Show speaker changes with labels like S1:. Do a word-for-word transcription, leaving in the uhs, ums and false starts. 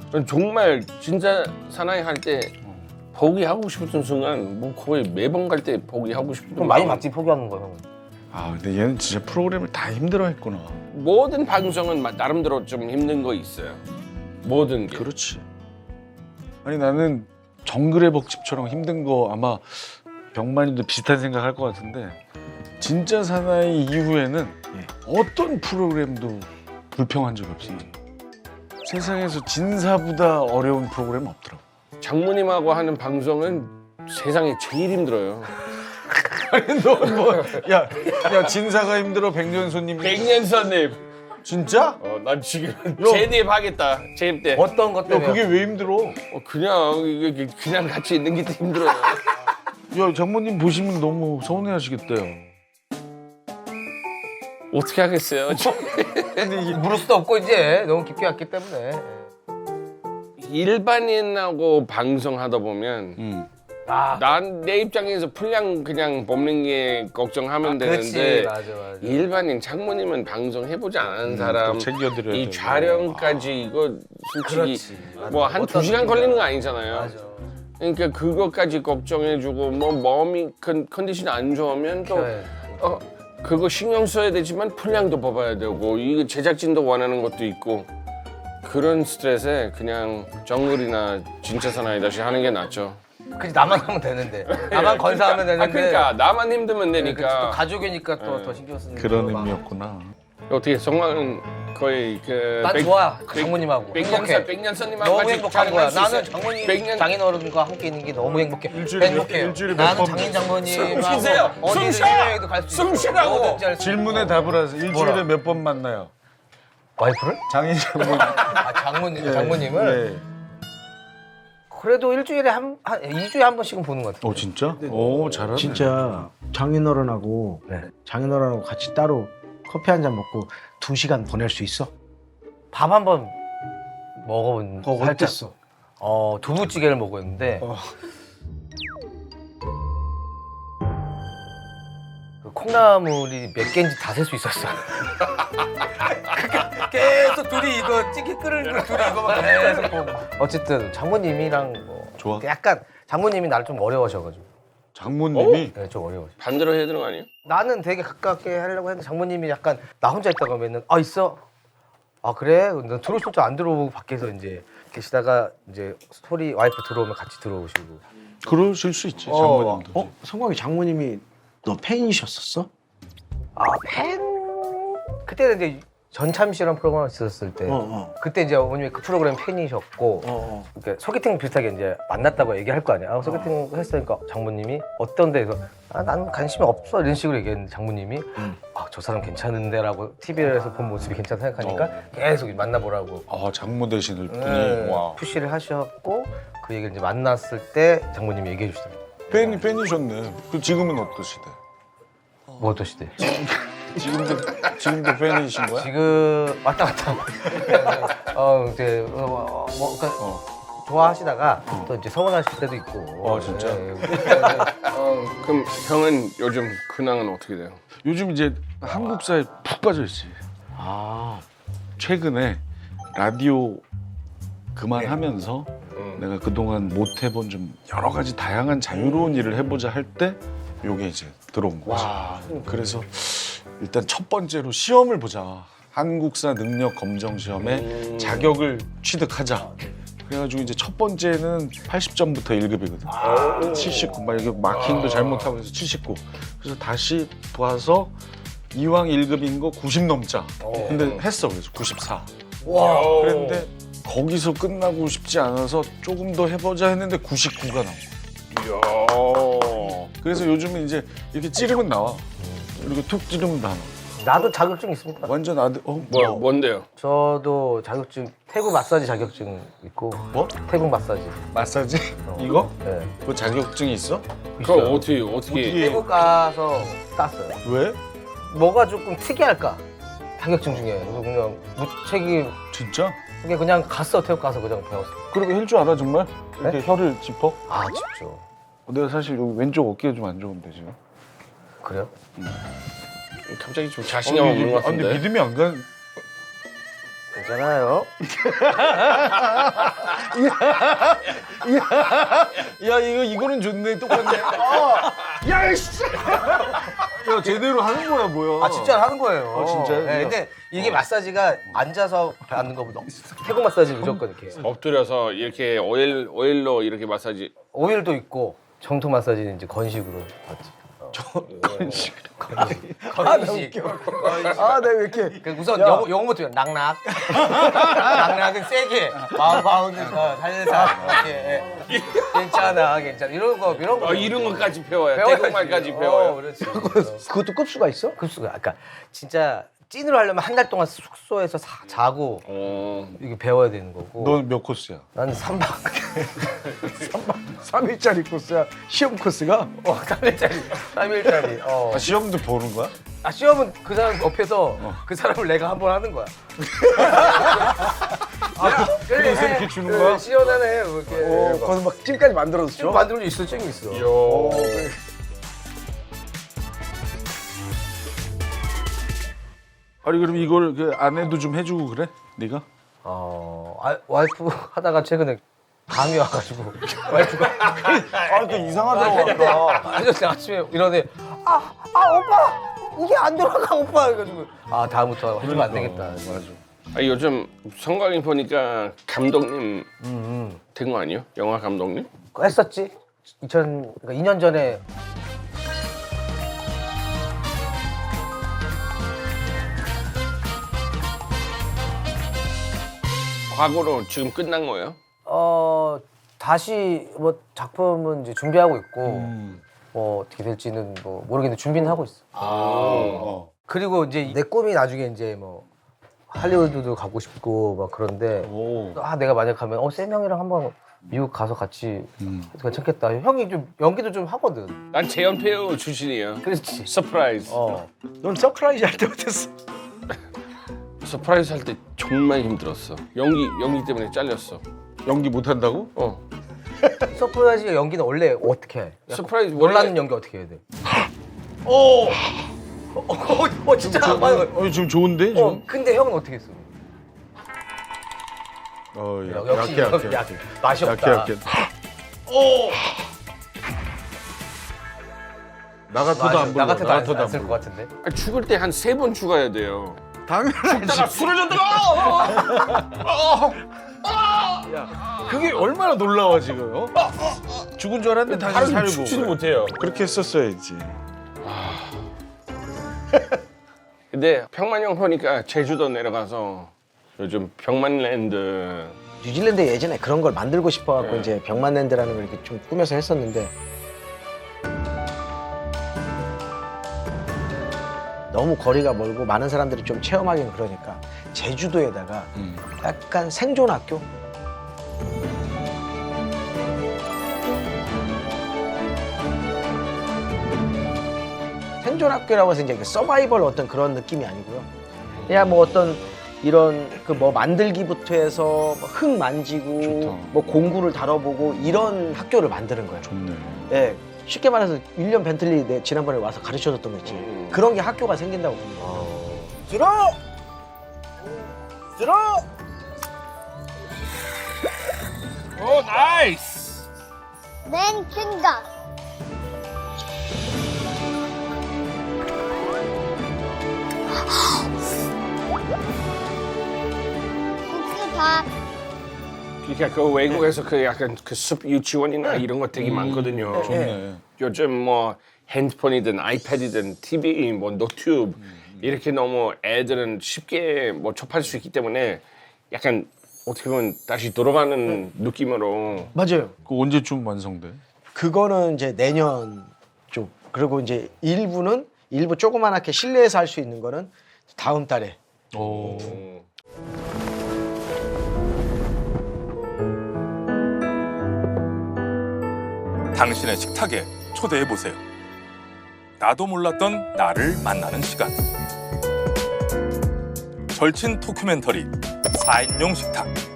S1: 정말 진짜 사나이 할 때 포기하고 싶었던 순간 뭐 거의 매번 갈 때 포기하고 싶었던
S2: 그럼 많이
S1: 마음.
S2: 맞지 포기하는 거 형.
S3: 아 근데 얘는 진짜 프로그램을 다 힘들어했구나.
S1: 모든 방송은 마- 나름대로 좀 힘든 거 있어요. 모든 게.
S3: 그렇지. 아니 나는 정글의 벅집처럼 힘든 거 아마 병만이도 비슷한 생각할 것 같은데 진짜 사나이 이후에는 어떤 프로그램도 불평한 적이 없어. 세상에서 진사보다 어려운 프로그램 없더라고.
S1: 장모님하고 하는 방송은 세상에 제일 힘들어요.
S3: 아니 너뭐야 야 진사가 힘들어 백년손님
S1: 백년선님.
S3: 진짜?
S1: 어, 난 지금 재입 하겠다. 재입 때.
S2: 어떤 것
S3: 야
S2: 때문에?
S3: 그게 왜 힘들어?
S1: 어, 그냥 이게 그냥 같이 있는 게 더 힘들어요.
S3: 야 장모님 보시면 너무 서운해하시겠대요.
S1: 어떻게 하겠어요?
S2: 근데 이게 물을 수도 없고 이제 너무 깊게 왔기 때문에.
S1: 일반인하고 방송하다 보면
S3: 음.
S2: 아,
S1: 난 내 입장에서 분량 그냥 뽑는 게 걱정하면
S2: 그렇지.
S1: 되는데
S2: 맞아 맞아.
S1: 일반인 장모님은 방송 해보지 않은 사람
S3: 또 챙겨드려야
S1: 이
S3: 되고.
S1: 촬영까지 이거 솔직히
S2: 그렇지.
S1: 뭐 한 두 시간 걸리는 거 아니잖아요.
S2: 맞아.
S1: 그러니까 그것까지 걱정해주고 뭐 몸이 컨, 컨디션이 안 좋으면 또
S2: 그래.
S1: 어, 그거 신경 써야 되지만 분량도 뽑아야 되고 이게 제작진도 원하는 것도 있고 그런 스트레스에 그냥 정글이나 진짜 사나이 다시 하는 게 낫죠.
S2: 그치 나만 하면 되는데 나만 건사하면 되는데.
S1: 아 그러니까 나만 힘들면
S2: 네, 그치, 또
S1: 되니까.
S2: 가족이니까 또
S1: 네.
S2: 더 신경 쓰는
S3: 그런
S2: 거 막.
S3: 의미였구나.
S1: 어떻게 성광은 거의 그
S2: 난
S1: 백-
S2: 좋아
S1: 백-
S2: 장모님하고
S1: 백년선
S2: 행복해.
S1: 백년선님하고
S2: 너무
S1: 같이
S2: 행복한 거야.
S1: 촬영할 수
S2: 나는
S1: 있어요.
S2: 장모님
S1: 백년-
S2: 장인어른과 함께 있는 게 너무 행복해.
S3: 일주일에 몇-
S2: 행복해요.
S3: 일주일에 몇
S2: 나는
S3: 번-
S2: 장인
S1: 숨
S2: 장모님하고
S1: 쉬세요. 숨
S2: 어디든
S1: 쉬어.
S2: 해외에도 갈 수 있어.
S1: 숨 쉬라고.
S2: 뭐든지 할수
S3: 질문에
S2: 있고.
S3: 답을 하세요. 일주일에
S2: 뭐라?
S3: 몇 번 만나요?
S2: 와이프를?
S3: 장인 장모님.
S2: 아 장모님 장모님을
S3: 네.
S2: 그래도 일주일에 한, 한 이 주에 한 번씩은 보는 것 같아요.
S3: 어 진짜? 오 잘하네.
S4: 진짜 장인어른하고
S2: 네.
S4: 장인어른하고 같이 따로 커피 한 잔 먹고 두 시간 보낼 수 있어?
S2: 밥 한 번 먹어본
S4: 어,
S2: 살짝.
S4: 어땠어?
S2: 어 두부찌개를 먹었는데
S4: 어.
S2: 그 콩나물이 몇 개인지 다 셀 수 있었어. 계속 둘이 이거 찌개 끓는 거 둘이 이거만 계속 보고. 어쨌든 장모님이랑 뭐
S3: 좋아?
S2: 약간 장모님이 나를 좀 어려워하셔가지고
S3: 장모님이
S2: 네, 좀 어려워.
S1: 반대로 해야 되는 거 아니에요?
S2: 나는 되게 가깝게 하려고 했는데 장모님이 약간 나 혼자 있다가 하면은 아 있어. 아 그래? 난 들어오실 줄 안 들어오고 밖에서 이제 계시다가 이제 소리 와이프 들어오면 같이 들어오시고.
S3: 그러실 수 있지
S2: 어.
S3: 장모님도.
S4: 어? 성광이 장모님이 너 팬이셨었어?
S2: 아 팬? 그때는 이제 전참 씨라는 프로그램 있었을 때
S4: 어, 어.
S2: 그때 이제 어머님이 그 프로그램 팬이셨고
S4: 어, 어.
S2: 이렇게 소개팅 비슷하게 이제 만났다고 얘기할 거 아니야. 아, 소개팅 했으니까 장모님이 어떤 데서 아 나는 관심이 없어 이런 식으로 얘기했는데 장모님이 아 저 사람 괜찮은데라고 티비에서 본 모습이 괜찮다 생각하니까 계속 만나보라고
S3: 아 장모 되시는 분이
S2: 네,
S3: 와.
S2: 푸시를 하셨고 그 얘기를 이제 만났을 때 장모님이 얘기해 주시더라고요.
S3: 팬이 팬이셨네. 그 지금은 어떠시대?
S2: 뭐 어떠시대?
S3: 지금도 지금도 팬이신 거야?
S2: 지금 왔다 갔다 어 이제 어, 뭐 그러니까
S3: 어.
S2: 좋아하시다가 또 이제 서운하실 때도 있고.
S3: 어, 진짜?
S2: 예,
S1: 어, 그럼 형은 요즘 근황은 어떻게 돼요?
S3: 요즘 이제 한국사에 푹 빠져 있지.
S4: 아.
S3: 최근에 라디오 그만하면서
S1: 음.
S3: 내가 그동안 못 해본 좀 여러 가지 다양한 자유로운 일을 해보자 할 때 요게 이제 들어온 거지. 그래서 일단 첫 번째로 시험을 보자. 한국사 능력 검정 시험에
S1: 음.
S3: 자격을 취득하자. 그래가지고 이제 첫 번째는 팔십 점부터 일 급이거든. 칠십구. 막 이게 마킹도 잘못하고 해서 칠십구. 그래서 다시 봐서 이왕 일 급인 거 구십 넘자. 근데 했어. 그래서 구십사.
S2: 와.
S3: 그랬는데 거기서 끝나고 싶지 않아서 조금 더 해보자 했는데 구십구가 나온 거야.
S1: 이야.
S3: 그래서 요즘은 이제 이렇게 찌르면 나와. 이렇게 툭 찌르면 다 나와.
S2: 나도 자격증 있습니다.
S3: 완전 아들. 어
S1: 뭐야, 뭔데요?
S2: 저도 자격증 태국 마사지 자격증 있고.
S3: 뭐?
S2: 태국 마사지.
S3: 마사지? 이거?
S2: 네.
S3: 그 자격증이 있어?
S1: 그걸 어떻게, 어떻게.
S3: 어떻게-
S2: 태국 가서 땄어요.
S3: 왜?
S2: 뭐가 조금 특이할까? 자격증 중에 그래서 그냥 무책임
S3: 진짜?
S2: 그게 그냥 갔어 태국 가서 그냥 배웠어.
S3: 그렇게 할 줄 알아 정말? 이렇게
S2: 네?
S3: 혀를 짚어?
S2: 아 진짜.
S3: 내가 사실 여기 왼쪽 어깨가 좀 안 좋은데 지금.
S2: 그래요?
S1: 갑자기 좀 자신감 없는 것
S3: 아, 근데
S1: 같은데.
S3: 믿음이 안 가.
S2: 있잖아요.
S3: 야 이거 이거는 좋네. 똑같네. 어. 야 씨. 야 제대로 하는 거야 뭐야?
S2: 아 진짜 하는 거예요.
S3: 아, 진짜요?
S2: 네, 근데 이게 마사지가 앉아서 받는 거보다 태국 마사지 무조건 이렇게.
S1: 엎드려서 이렇게 오일 오일로 이렇게 마사지.
S2: 오일도 있고 정통 마사지는 이제 건식으로 받지.
S3: 건식.
S2: 건식.
S4: 아, 내가 왜 이렇게
S2: 그 우선 영어 영어부터 낙낙. 낙낙은 세게. 마운드 살살 이렇게. 예. 괜찮아, 괜찮아. 이런 거 이런 거.
S1: 어, 이런 것까지 배워요.
S2: 배워야지.
S1: 태국말까지
S2: 어,
S1: 배워요.
S2: 그렇지.
S4: 그것도 급수가 있어?
S2: 급수가 아까 진짜 찐으로 하려면 한 달 동안 숙소에서 사, 자고
S1: 어.
S2: 이게 배워야 되는 거고.
S3: 넌 몇 코스야?
S2: 난 삼 박.
S4: 삼 일짜리 코스야. 시험 코스가?
S2: 어, 삼 일짜리. 삼 일짜리. 어.
S3: 아, 시험도 보는 거야?
S2: 아, 시험은 그 사람 옆에서 그 사람을 내가 한 번 하는 거야. 아,
S3: 그래서 이렇게 주는 거야?
S2: 시원하네. 뭐 이렇게.
S4: 어, 거기서 막 찜까지 만들어서 줘?
S2: 좀 만들어 있어, 찡 있어.
S1: 요.
S3: 아니 그럼 이걸 그 아내도 좀 해주고 그래? 네가?
S2: 어, 아, 와이프 하다가 최근에 감이 와가지고 와이프가
S4: 아, 그 이상하더라고. 아까.
S2: 아저씨 아침에 이러네. 아, 아 오빠 이게 안 돌아가 오빠 해가지고 아 다음부터 해주면 안 되겠다.
S3: 맞아.
S1: 아, 요즘 성광이 보니까 감독님
S2: 음,
S1: 된 거 아니에요? 영화 감독님?
S2: 음. 했었지. 이천 그러니까 이 년 전에
S1: 과거로 지금 끝난 거예요?
S2: 어 다시 뭐 작품은 이제 준비하고 있고
S3: 음.
S2: 뭐 어떻게 될지는 뭐 모르겠는데 준비는 하고 있어.
S3: 어.
S2: 그리고 이제 내 꿈이 나중에 이제 뭐 할리우드도 가고 싶고 막 그런데
S3: 오.
S2: 아 내가 만약 가면 어 쌤 형이랑 한번 미국 가서 같이
S3: 음.
S2: 해도 괜찮겠다. 형이 좀 연기도 좀 하거든.
S1: 난 재연 배우 출신이에요.
S2: 그렇지.
S1: 서프라이즈.
S2: 어.
S4: 넌 서프라이즈 할 때 어땠어?
S1: 서프라이즈 할 때 정말 힘들었어. 연기 연기 때문에 잘렸어.
S3: 연기 못 한다고?
S1: 어.
S2: 서프라이즈 연기는 원래 어떻게 해?
S1: 서프라이즈
S2: 놀라는
S1: 원래-
S2: 연기 어떻게 해야 돼? 오. 어, 어, 어 진짜 맞아.
S3: 어 지금 좋은데 지금?
S2: 어 근데 형은 어떻게 했어?
S3: 어, 야,
S2: 역시
S3: 약해 약해.
S2: 약, 맛이
S3: 약해
S2: 없다.
S3: 약해. 오. 나 같아도 안 불러.
S2: 나 같아도 안,
S3: 같아도
S2: 안쓸 것
S3: 불러.
S2: 같은데.
S1: 아, 죽을 때 한 세 번 죽어야 돼요.
S3: 당연하지. 그게 얼마나 놀라워 지금? 어? 죽은 줄 알았는데 다시
S1: 하루
S3: 살고.
S1: 죽지도 못해요.
S3: 그렇게 했었어야지.
S1: 근데 병만 형 보니까 제주도 내려가서 요즘 병만랜드
S4: 뉴질랜드 예전에 그런 걸 만들고 싶어갖고
S1: 네.
S4: 이제 병만랜드라는 걸 이렇게 좀 꾸며서 했었는데 너무 거리가 멀고 많은 사람들이 좀 체험하기는 그러니까 제주도에다가
S3: 음.
S4: 약간 생존학교? 생존학교라고 해서 이제 그 서바이벌 어떤 그런 느낌이 아니고요. 그냥 뭐 어떤 이런 그 뭐 만들기부터 해서 뭐흙 만지고
S3: 좋다.
S4: 뭐 공구를 다뤄보고 이런 학교를 만드는 거예요.
S3: 좋네.
S4: 예. 쉽게 말해서 윌리엄 벤틀리 내 지난번에 와서 가르쳐줬던 거 있지.
S1: 음.
S4: 그런 게 학교가 생긴다고 봅니다. 들어! 들어!
S1: 오 나이스.
S5: 맨 생각. 국수밥.
S1: 그러니까 그 외국에서 그 약간 그 숲 유치원이나 이런 거 되게 많거든요.
S3: 좋네.
S1: 요즘 뭐 핸드폰이든 아이패드든 티비, 뭐 노트북 이렇게 너무 애들은 쉽게 뭐 접할 수 있기 때문에 약간 어떻게 보면 다시 돌아가는 느낌으로
S4: 맞아요.
S3: 그 언제쯤 완성돼?
S4: 그거는 이제 내년 쪽. 그리고 이제 일부는 일부 조그만하게 실내에서 할 수 있는 거는 다음 달에.
S3: 오.
S6: 당신의 식탁에 초대해 보세요. 나도 몰랐던 나를 만나는 시간. 절친 토큐멘터리 사 인용 식탁.